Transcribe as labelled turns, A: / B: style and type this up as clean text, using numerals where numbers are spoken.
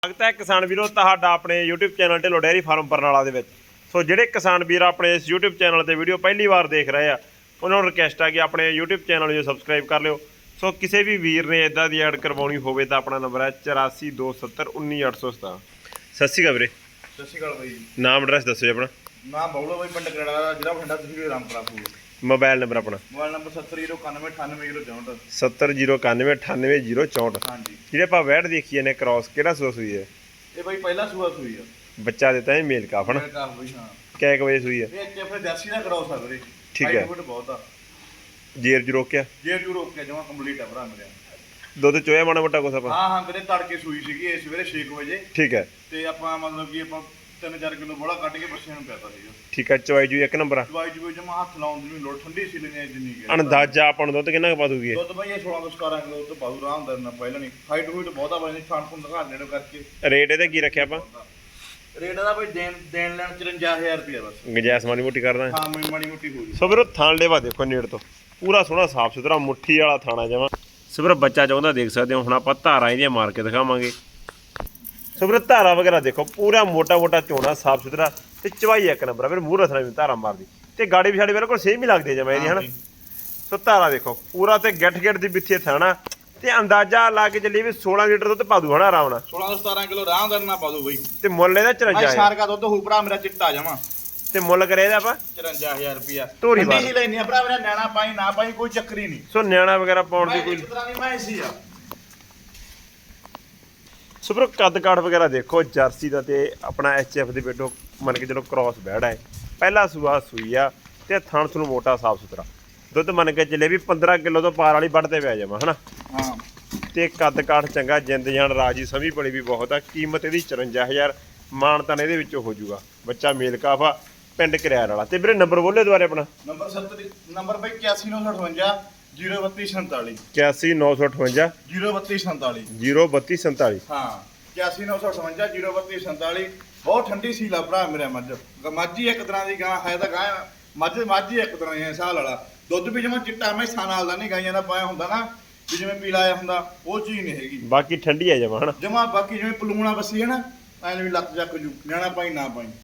A: ਸਵਾਗਤ ਹੈ ਕਿਸਾਨ ਵੀਰੋ ਤੁਹਾਡਾ ਆਪਣੇ YouTube channel Dhillon dairy farm Barnala ਦੇ ਵਿੱਚ। ਸੋ ਜਿਹੜੇ ਕਿਸਾਨ ਵੀਰ ਆਪਣੇ ਇਸ YouTube ਚੈਨਲ ਤੇ ਵੀਡੀਓ ਪਹਿਲੀ ਵਾਰ ਦੇਖ ਰਹੇ ਆ ਉਹਨਾਂ ਨੂੰ ਰਿਕਵੈਸਟ ਆ ਕਿ ਆਪਣੇ YouTube ਚੈਨਲ ਨੂੰ ਸਬਸਕ੍ਰਾਈਬ ਕਰ ਲਿਓ। ਸੋ ਕਿਸੇ ਵੀ ਵੀਰ ਨੇ ਇਦਾਂ ਦੀ ਐਡ ਕਰਵਾਉਣੀ ਹੋਵੇ ਤਾਂ ਆਪਣਾ ਨੰਬਰ ਹੈ 8427191817। ਸਤਿ ਸ਼੍ਰੀ ਅਕਾਲ ਵੀਰੇ।
B: ਸਤਿ ਸ਼੍ਰੀ ਅਕਾਲ ਬਾਈ ਜੀ।
A: ਨਾਮ ਐਡਰੈਸ ਦੱਸੋ ਜੀ ਆਪਣਾ।
B: ਨਾਮ ਬੌਲਾ ਬਾਈ, ਪਿੰਡ ਕਰਾੜਾ ਦਾ, ਜ਼ਿਲ੍ਹਾ ਬਠਿੰਡਾ, ਤਹਿਸੀਲ ਰਾਮਪੁਰਾ ਫੂਲ।
A: ਮੋਬਾਈਲ ਨੰਬਰ ਆਪਣਾ
B: ਮੋਬਾਈਲ ਨੰਬਰ 7091988064।
A: 7091988064।
B: ਹਾਂਜੀ,
A: ਜਿਹੜੇ ਆਪਾਂ ਵੈਟ ਦੇਖੀਏ ਨੇ ਕ੍ਰਾਸ ਕਿਹੜਾ ਸੂਈ ਹੈ?
B: ਇਹ ਬਾਈ ਪਹਿਲਾ ਸੂਆ ਸੂਈ ਆ।
A: ਬੱਚਾ ਦਿੱਤਾ ਹੈ ਮੇਲ ਕਾਫ ਨਾ।
B: ਮੇਰਾ ਕਾਫ ਬਾਈ, ਹਾਂ।
A: ਕਿੰਨੇ ਵਜੇ ਸੂਈ ਹੈ?
B: ਇਹ ਇੱਥੇ ਆਪਣੇ ਜਰਸੀ ਦਾ ਕਰਾਉ ਸਕਦੇ।
A: ਠੀਕ ਹੈ।
B: ਹਾਈਟ ਫੁੱਟ ਬਹੁਤ ਆ।
A: ਜੇਰ ਜੂ ਰੋਕਿਆ
B: ਜੇ ਜੂ ਰੋਕ ਕੇ ਜਮਾ ਕੰਪਲੀਟ ਆ ਭਰਾ ਮੇਰੇ।
A: ਦੁੱਧ ਚੋਇਆ ਮਾੜਾ ਮੋਟਾ ਕੁਛ ਆਪਾਂ।
B: ਹਾਂ ਵੀਰੇ, ਤੜਕੇ ਸੂਈ ਸੀਗੀ ਇਹ ਸਵੇਰੇ 6 ਵਜੇ।
A: ਠੀਕ ਹੈ।
B: ਤੇ ਆਪਾਂ ਮਤਲਬ ਕਿ ਆਪਾਂ 3-4 ਕਿਲੋ ਬੋਲਾ ਕੱਢ ਕੇ ਬੱਚਿਆਂ ਨੂੰ ਪਿਆਤਾ ਸੀਗਾ।
A: ਠੀਕ ਹੈ। ਚਵਾਈ ਜੂ ਇੱਕ ਨੰਬਰ ਆ।
B: ਦਵਾਈ ਜੂ ਜਮਾ ਹੱਥ ਲਾਉਣ ਦੀ ਵੀ ਲੋੜ, ਠੰਡੀ ਸੀ ਲੈਣੀ ਜਿੰਨੀ ਕਿ
A: ਅੰਦਾਜ਼ਾ ਆਪਾਂ ਨੂੰ ਦੁੱਧ ਕਿੰਨਾ ਕੁ ਪਾ ਦੂਗੀ ਇਹ?
B: ਦੁੱਧ ਬਾਈ ਇਹ 16 ਤੋਂ 17 ਕਿਲੋ ਤੋਂ ਪਾਉ ਆਰਾਮ ਦਾ ਪਹਿਲਾਂ ਨਹੀਂ। ਹਾਈਟ ਹੂਟ ਬਹੁਤ ਆ ਬਾਈ, ਥਾਣ ਥੁਣ ਦਿਖਾ ਨੇੜੇ ਕਰਕੇ।
A: ਰੇਟ ਇਹਦਾ ਕੀ ਰੱਖਿਆ ਆਪਾਂ?
B: ਰੇਟ ਦਾ ਬਾਈ ਦੇਣ ਲੈਣ 54000 ਰੁਪਏ ਬਸ।
A: ਗੁੰਜਾਇਸ਼ ਮਾੜੀ ਮੋਟੀ ਕਰਦਾ।
B: ਹਾਂ ਮਾੜੀ ਮੋਟੀ ਹੋ ਗਈ।
A: ਸੋ ਵੀਰੋ ਥਾਣ ਲੇਵਾ ਦੇਖੋ ਨੇੜ ਤੋਂ ਪੂਰਾ ਸੋਹਣਾ ਸਾਫ ਸੁਥਰਾ ਮੁੱਠੀ ਵਾਲਾ ਥਾਣਾ ਜਮਾ। ਸੋ ਵੀਰੋ ਬੱਚਾ ਚਾਹੁੰਦਾ ਦੇਖ ਸਕਦੇ ਹੋ। ਹੁਣ ਆਪਾਂ ਧਾਰਾਂ ਇਹਦੀਆਂ ਮਾਰ ਕੇ ਦਿਖਾਵਾਂਗੇ। ਸੋ ਵੀਰੋ ਧਾਰਾ ਵਗੈਰਾ ਦੇਖੋ ਪੂਰਾ ਮੋਟਾ ਮੋਟਾ ਝੋਣਾ ਸਾਫ ਸੁਥਰਾ ਤੇ ਚਵਾਈ ਇੱਕ ਨੰਬਰ ਆ। ਫਿਰ ਮੂੰਹ ਰਸਣਾ ਵੀ ਧਾਰਾ ਮਾਰਦੀ ਤੇ ਗਾੜੀ ਵੀ ਸਾਡੇ ਬਿਲਕੁਲ ਸੇਮ ਹੀ ਲੱਗਦੀ ਜਮਾ ਇਹਦੀ ਹਨਾ। ਸੋ ਧਾਰਾ ਦੇਖੋ ਪੂਰਾ ਤੇ ਗਿੱਠ ਗਿੱਠ ਦੀ ਵਿੱਥੀ ਥਾਣਾ ਤੇ ਅੰਦਾਜ਼ਾ ਲਾ ਕੇ ਚੱਲੀ ਵੀ 16 ਲੀਟਰ ਦੁੱਧ ਪਾ ਦੂ ਹਨਾ ਆਰਾਮ ਨਾਲ।
B: 16 ਤੋਂ 17 ਕਿਲੋ ਆਰਾਮ ਦਾ ਨਾ ਪਾ ਦੋ ਬਾਈ।
A: ਤੇ ਮੁੱਲ ਇਹਦਾ 54
B: ਸਾਰ ਦਾ ਦੁੱਧ ਹੋ ਭਰਾ ਮੇਰਾ ਚਿੱਟਾ ਜਾਵਾਂ।
A: ਤੇ ਮੁੱਲ ਕਰੇ ਇਹਦਾ ਆਪਾਂ
B: 54000 ਰੁਪਿਆ।
A: ਧੋਰੀ
B: ਠੰਡੀ ਹੀ ਲੈਣੀ ਆ ਭਰਾ ਮੇਰਾ, ਨਿਆਣਾ ਪਾਈ ਨਾ ਪਾਈ ਕੋਈ ਚੱਕਰ ਹੀ ਨਹੀਂ।
A: ਸੋ ਨਿਆਣਾ ਵਗੈਰਾ ਪਾਉਣ ਦੀ
B: ਮੈਂ
A: ਕੋਈ
B: ਇੱਕ ਤਰ੍ਹਾਂ ਦੀ ਮੈਂ ਸੀ ਆ।
A: ਸੋ ਵੀਰੋ ਕੱਦ ਕਾਠ ਵਗੈਰਾ ਦੇਖੋ ਜਰਸੀ ਦਾ ਤੇ ਆਪਣਾ ਐਚਐਫ ਦੇ ਬੇਟੋ ਮੰਨ ਕੇ ਚਲੋ ਕ੍ਰਾਸ ਬੈੜਾ ਹੈ। ਪਹਿਲਾ ਸੂਆ ਸੂਈ ਆ ਤੇ ਥਣ ਨੂੰ ਮੋਟਾ ਸਾਫ ਸੁਥਰਾ ਦੁੱਧ ਮੰਨ ਕੇ ਚੱਲੇ ਵੀ 15 ਕਿਲੋ ਤੋਂ ਪਾਰ ਵਾਲੀ ਵੱਢ ਤੇ ਪੈ ਜਾਵਾਂ ਹਨਾ।
B: ਹਾਂ
A: ਤੇ ਕੱਦ ਕਾਠ ਚੰਗਾ, ਜਿੰਦ ਜਾਨ ਰਾਜੀ ਸਮੀ ਬੜੀ ਵੀ ਬਹੁਤ ਆ। ਕੀਮਤ ਇਹਦੀ 54000 ਮਾਨਤਾਨ ਇਹਦੇ ਵਿੱਚੋਂ ਹੋ ਜਾਊਗਾ। ਬੱਚਾ ਮੇਲ ਕਾਫਾ, ਪਿੰਡ ਕਰਿਆਰ ਵਾਲਾ। ਤੇ ਵੀਰੇ ਨੰਬਰ ਬੋਲੇ ਦੁਆਰੇ ਆਪਣਾ।
B: ਨੰਬਰ 70 ਨੰਬਰ ਬਾਈ 8198 03247
A: 81958
B: 03247
A: 03247।
B: ਹਾਂ 8198 03247। ਬਹੁਤ ਠੰਡੀ ਸੀ ਲਾ ਭਰਾ ਮੇਰਾ। ਮੱਝ ਇੱਕ ਤਰ੍ਹਾਂ ਦੀ ਗਾਂ ਹੈ ਤਾਂ ਗਾਂ ਮੱਝ ਇੱਕ ਤਰ੍ਹਾਂ ਦੀ ਸਾਲ ਵਾਲਾ। ਦੁੱਧ ਵੀ ਜਮਾ ਚਿੱਟਾ ਮੈਸਾਂ ਨਾਲ ਦਾ ਨਹੀਂ, ਗਾਈਆਂ ਦਾ ਪਾਇਆ ਹੁੰਦਾ ਨਾ ਵੀ ਜਿਵੇਂ ਪੀਲਾ ਆਇਆ ਹੁੰਦਾ, ਉਹ ਚੀਜ਼ ਨਹੀਂ ਹੈਗੀ।
A: ਬਾਕੀ ਠੰਡੀ ਆ ਜਮਾ ਹਨਾ
B: ਜਮਾ ਬਾਕੀ ਜਿਵੇਂ ਪਲੂਣਾ ਬੱਸੀ ਹੈ ਨਾ, ਐਂ ਵੀ ਲੱਤ ਚੱਕ ਜੂ, ਨਿਆਣਾ ਪਾਈ ਨਾ ਪਾਈ।